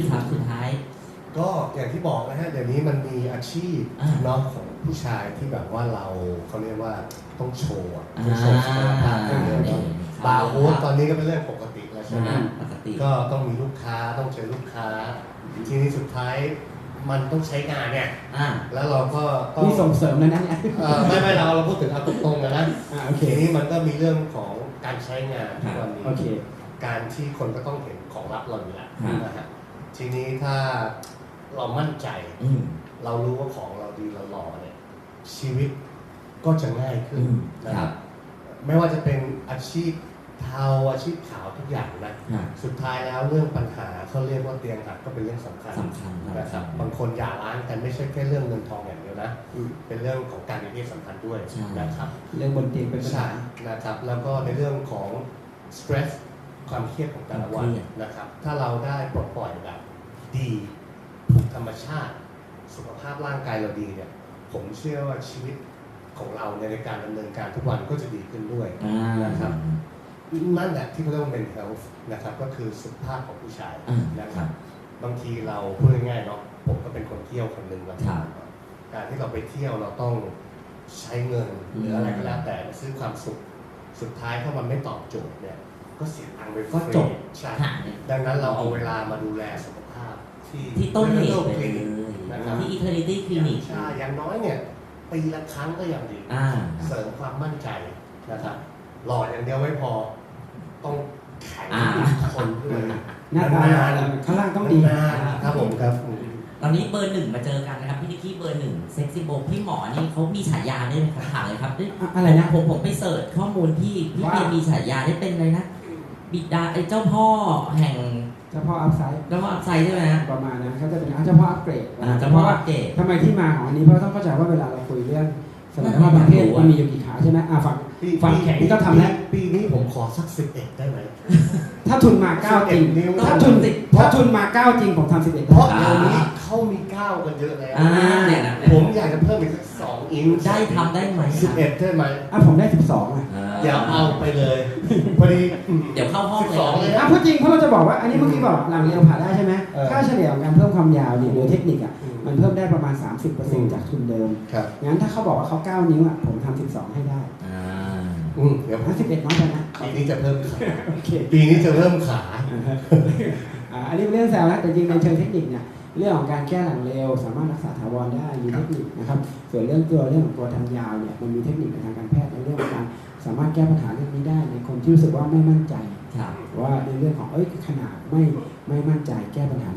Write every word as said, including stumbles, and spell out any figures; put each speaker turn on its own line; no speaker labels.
ครับสุดท้าย
ก็อย่างที่บอกนะฮะเดี๋ยวนี้มันมีอาชีพเนาะของผู้ชายที่แบบว่าเราเขาเรียกว่าต้องโชว์ต้องโชว์ศักยภาพเยอะเนาะบาร์โฮสตอนนี้ก็เป็นเรื่องปกติแล้วใช่ไหมก็ต้องมีลูกค้าต้องเจอลูกค้าทีนี้สุดท้ายมันต้องใช้งานเนี่ยแล้วเราก็ต้อง
มีส่งเสริมแล้วนะเนี่ย
ไม่ไม่เราเราพูดถึงเอาตรงๆนะนะทีนี้มันก็มีเรื่องของการใช้งานทุกวันนี้การที่คนก็ต้องเห็นของลับเราอยู่แล้วนะฮะทีนี้ถ้าเรามั่นใจเรารู้ว่าของเราดีเราหล่อเนี่ยชีวิตก็จะง่ายขึ้นนะครับไม่ว่าจะเป็นอาชีพเทาอาชีพขาวทุกอย่างนะสุดท้ายแล้วเรื่องปัญหาเขาเรียกว่าเตียงหักก็เป็นเรื่องสำคัญนะครับบางคนหย่าร้างกันไม่ใช่แค่เรื่องเงินทองอย่างเดียวนะเป็นเรื่องของการมีเพศสัมพันธ์ด้วยนะครับ
เรื่องบนเตียงเป็นปัญหา
นะครับแล้วก็ในเรื่องของสเตรสความเครียดของแต่ละวันนะครับถ้าเราได้ปลดปล่อยแบบดีถูกธรรมชาติสุขภาพร่างกายเราดีเนี่ยผมเชื่อว่าชีวิตของเราในการดำเนินการทุกวันก็จะดีขึ้นด้วยนะครับนั่นแหละที่เขาเรียกว่า mental health นะครับก็คือสุขภาพของผู้ชายนะครับบางทีเราพูดง่ายๆเนาะผมก็เป็นคนเที่ยวคนหนึ่งแล้วการที่เราไปเที่ยวเราต้องใช้เงินหรืออะไรก็แล้วแต่ซื้อความสุขสุดท้ายถ้ามันไม่ตอบโจทย์เนี่ยก็เสียตังค์ไปก็จบใช่ดังนั้นเราเอาเวลามาดูแลสุขภาพที่
ที่ต้นเหตุไปเลย
นะครับ
ที่ Eternity Clinic
ใช่อย่างน้อยเนี่ยปีละครั้งก็ยังดีเสริมความมั่นใจนะครับหล่ออย่างเดียวไม่พอต้องแข็งคนด้วย
หน้าตาข้างล่างต้องดี
ครับผมครับ
ตอนนี้เบอร์หนึ่งมาเจอกันนะครับพี่นิกกี้เบอร์หนึ่งเซ็กซี่โบพี่หมอนี่เขามีฉายาได้ไหมครับถามเลยครับ
อะไรนะ
ผมผมไปเสิร์ชข้อมูลพี่พี่เบียร์มีฉายาได้เป็นเลยนะบิดาไอ้เจ้าพ่อแห่ง
เจ้าพ่ออัพไซด์
เจ้าพ่ออัพไซด์ใช่ไหม
ประมาณนั้นเขาจะเป็นเจ้าพ่ออัพเกรด
เจ้าพ่ออัพเกรด
ทำไมที่มาของอันนี้เพราะต้องเข้าใจว่าเวลาเราคุยเรื่องสมรรถภาพทางเพศมันมีอยู่กี่ขาใช่ไหมอ่าฝั่งฝั่งแข็งก็ทำแล้ว
ปีนี้ผมขอสักสิบเอ็ดได้ไหม
ถ้าทุนมาเก้าจริงถ้าทุนติดถ้าทุนมาเก้าจริงผมทำสิบเอ็ด
เพราะเดี๋ยวนี้เขามีเก้ากันเยอะแล้วผมอยากจะเพิ่มอีกสักสองอิน
ได้ทำได้ไหม
สิบเอ็ดได้ไหม
อ่ะผมได้สิบสองอ่ะ
อย่าเอาไปเลยพอดี
เดี๋ยวเข้าห้อง
เลย
อ่ะพูดจริงเพราะเราจะบอกว่าอันนี้เมื่อกี้บอกหลังเรียวผ่าได้ใช่ไหมค่าเฉลี่ยของการเพิ่มความยาวเนี่ยโดยเทคนิคอ่ะมันเพิ่มได้ประมาณ สามสิบเปอร์เซ็นต์ จากทุนเดิมงั้นถ้าเขาบอกว่าเขาเก้านิ้วอ่ะผมทำสิบสองให้ได้
อืมเดี๋ยว
สิบเอ็ดน้อยไปนะ
ปีนี้จะเพิ่มขาปีนี้จะเริ่มขา
อันนี้เป็นเรื่องแซวนะแต่จริงในเชิงเทคนิคเนี่ยเรื่องของการแก้หลังเร็วสามารถรักษาถาวรได้มีเทคนิคนะครับส่วนเรื่องตัวเรื่องของตัวทางยาวเนี่ยมันมีเทคนิคในทางการแพทย์ในเรื่องของการสามารถแก้ปัญหาเรื่องนี้ได้ในคนที่รู้สึกว่าไม่มั่นใจว่าในเรื่องของเอ้ยขนาดไม่ไม่มั่นใจแก้ปัญหา